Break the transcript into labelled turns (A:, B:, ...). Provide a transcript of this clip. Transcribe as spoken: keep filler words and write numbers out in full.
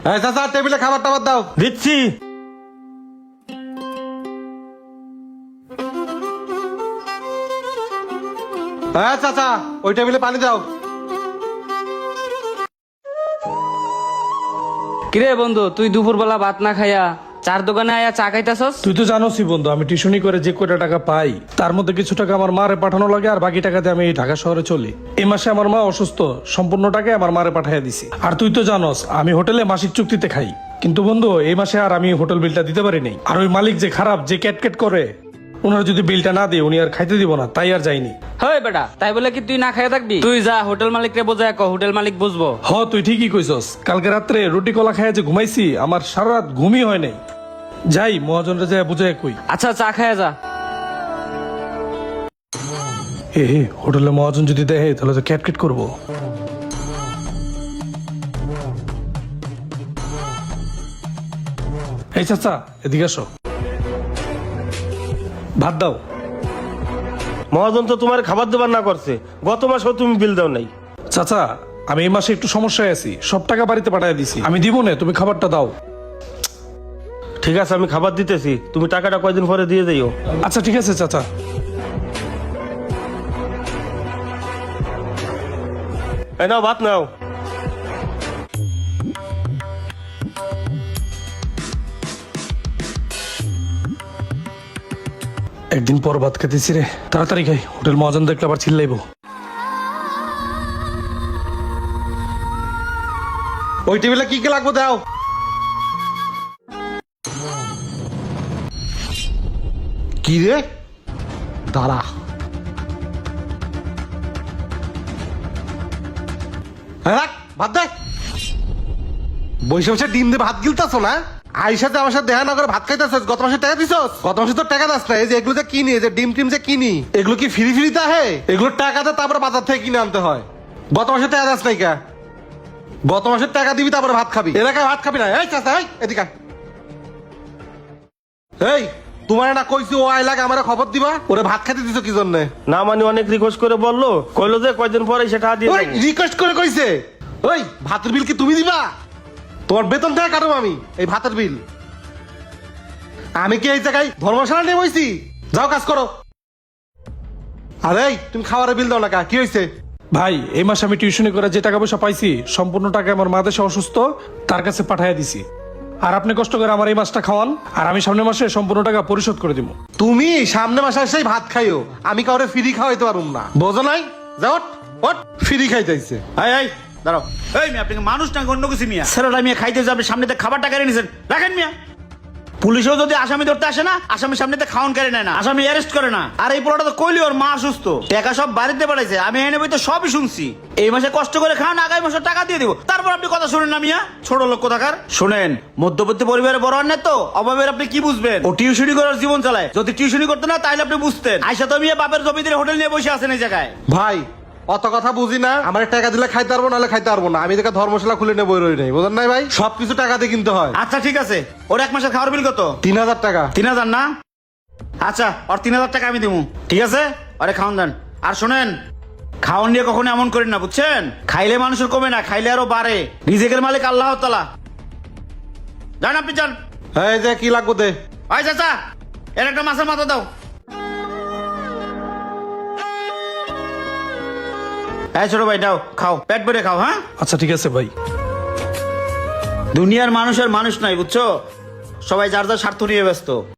A: এই চাচা টেবিলে খাবার টাবার দাও।
B: দিচ্ছি।
A: হ্যাঁ চাচা ওই টেবিলে পানি দাও।
C: কিরে বন্ধু, তুই দুপুরবেলা ভাত না খাইয়া চার দোকানে আয়া চা খাইতাছস?
D: তুই তো জানোসই বন্ধু, আমি টিউশনি করে যে কয়টা টাকা পাই তার মধ্যে কিছু টাকা আমার মারে পাঠানো লাগে, আর বাকি টাকা দিয়ে আমি ঢাকা শহরে চলি। এই মাসে আমার মা অসুস্থ, সম্পূর্ণ টাকা আমার মারে পাঠিয়ে দিছি। আর তুই তো জানোস আমি হোটেলে মাসিক চুক্তিতে খাই, কিন্তু বন্ধু এই মাসে আর আমি হোটেল বিলটা দিতে পারি নাই। আর ওই মালিক যে খারাপ, যে ক্যাটকেট করে, ওনার যদি বিলটা না দিয়ে উনি আর খাইতে দিব না, তাই আর যাইনি।
C: হয় বেটা, তাই বলে কি তুই না খাইয়া থাকবি? তুই যা হোটেল মালিকরে বোঝায় ক, হোটেল মালিক বুঝবো।
D: হ তুই ঠিকই কইছস, কালকে রাত্রে রুটি কলা খাইয়া যে ঘুমাইছি, আমার সারা রাত ঘুমই হয় নাই। যাই মহাজনরা যায় বুঝায় কই।
C: আচ্ছা চা খাইয়া যা।
D: এ হে, হোটেলে মহাজন যদি দেখে তাহলে তো ক্যাটকেট করবো। এই চাচা এদিকে আসো, ভাত দাও।
B: মহাজন তো তোমার খাবার দেবার না করছে, গত মাসেও তুমি বিল দাও নাই।
D: চাচা আমি এই মাসে একটু সমস্যায় আছি, সব টাকা বাড়িতে পাঠিয়ে দিছি, আমি দিব না, তুমি খাবারটা দাও।
B: ঠিক আছে আমি খাবার দিতেছি, তুমি টাকাটা কয়দিন পরে দিয়ে দিও।
D: আচ্ছা ঠিক আছে চাচা।
B: এই নাও ভাত নাও।
D: একদিন পর ভাত খেতেছি রে, তাড়াতাড়ি খাই, হোটেল মহাজন দেখলে আবার চিল্লাইবো।
A: ওই টেবিলে কি কি লাগবে দাও। কি রে দাঁড়া, হ্যাঁ রাখ, ভাত দে। বসে বসে ডিম দিয়ে ভাত গিলতাছ না? আইসাতে আমার সাথে দেখা না করে ভাত খাইতেছিস। গত মাসে টাকা দিছস? গত মাসে তো টাকা দাস না। এই যে এগুলো যে কিনি, এই যে ডিম টিম যে কিনি, এগুলো কি ফ্রি ফ্রিতে আহে? এগুলো টাকাতে তারপরে বাজার থেকে কিনে আনতে হয়। গত মাসে টাকা দাস নাই কা? গত মাসের টাকা দিবি তারপরে ভাত খাবি, এলাকায় ভাত খাবি না। এই চাচা এই এদিকে আয়। এই তোমার না কইছি ও আইলাকে আমার খবর দিবা, ওরে ভাত খেতে দিছো কি জন্য?
B: না মানে অনেক রিকোয়েস্ট করে বললো, কইলো যে কয়দিন পরে সেটা দিয়ে
A: ওই
B: দেবো।
A: রিকোয়েস্ট করে কইছে? ওই ভাতের বিল কি তুমি দিবা? তোমার বেতন থেকে কাটো আমি এই ভাতের বিল। আমি কি এই জায়গায় ধর্মশালা নিয়ে বইছি? যাও কাজ করো। আরে এই, তুমি খাবারের বিল দাও না কা? কি হয়েছে?
D: ভাই এই মাসে আমি টিউশনি করে যে টাকা পয়সা পাইছি, সম্পূর্ণ টাকা আমার মা দেশে অসুস্থ, তার কাছে পাঠিয়ে দিছি। আর আপনি কষ্ট করে আমার এই মাসটা খাওয়ান, আর আমি সামনের মাসে সম্পূর্ণ টাকা পরিশোধ করে দিব।
A: তুমি সামনে মাসে এসেই ভাত খাইও, আমি কাউরে ফ্রি খাওয়াইতে পারুম না, বোঝো নাই? যাও ওট, ফ্রি খাইতেছে।
E: এই এই দাঁড়াও। এই মিয়া, আপনি কি মানুষ না অন্য কিছু মিয়া? স্যাররা মিয়া খাইতে যাবে, সামনেতে খাবারটা কেড়ে নিছেন, রাখেন মিয়া। পুলিশও যদি আসামি ধরতে আসে না, আসামি সামনেতে খাওয়ান কেড়ে নেয় না, আসামি অ্যারেস্ট করে না। আর এই পোলাটা তো কইলি ওর মা অসুস্থ, টাকা সব বাড়িতে পাঠাইছে, আমি এনে বই তো সবই শুনছি। এই মাসে কষ্ট করে খান, আগামী মাসে টাকা দিয়ে দিব, তারপর আপনি কথা শুনেন না মিয়া, ছোট লোক কোথাকার। শুনেন, মধ্যবর্তী পরিবারে বড় আনেন তো, অভাবের আপনি কি বুঝবেন? ও টিউশনি করার জীবন চালায়, যদি টিউশনি করতে না তাহলে আপনি বুঝতেন। আইসা তো মিয়া বাপের জমিদের হোটেল নিয়ে বসে আছেন এই জায়গায়।
A: ভাই অত কথা বুঝি না, আমার টাকা দিলে খাইতে পারবো, নাহলে খাইতে পারবো না। আমি দেখে ধর্মশালা খুলে নেবো রই নাই, বোঝেন নাই ভাই? সবকিছু টাকা দিয়ে কিনতে হয়।
E: আচ্ছা ঠিক আছে, ওর এক মাসের খাওয়ার বিল কত?
A: তিন হাজার টাকা।
E: তিন হাজার না? আচ্ছা ওর তিন হাজার টাকা আমি দিব, ঠিক আছে? আরে খাওয়ান দেন। আর শোনেন, খাওয়ান নিয়ে কখনো এমন করেন না, বুঝছেন? খাইলে মানুষের কমে না, খাইলে আরো বাড়ে। রিজিকের মালিক আল্লাহ তাআলা। যান আপনি যান।
A: এই যে কি লাগবে দে।
E: আয় চাচা, এর একটা মাছের মাথা দাও। এই ছোট ভাই দাও, খাও, পেট ভরে খাও। হ্যাঁ
D: আচ্ছা ঠিক আছে ভাই।
E: দুনিয়ার মানুষের মানুষ নাই, বুঝছো? সবাই যার যার স্বার্থ নিয়ে ব্যস্ত।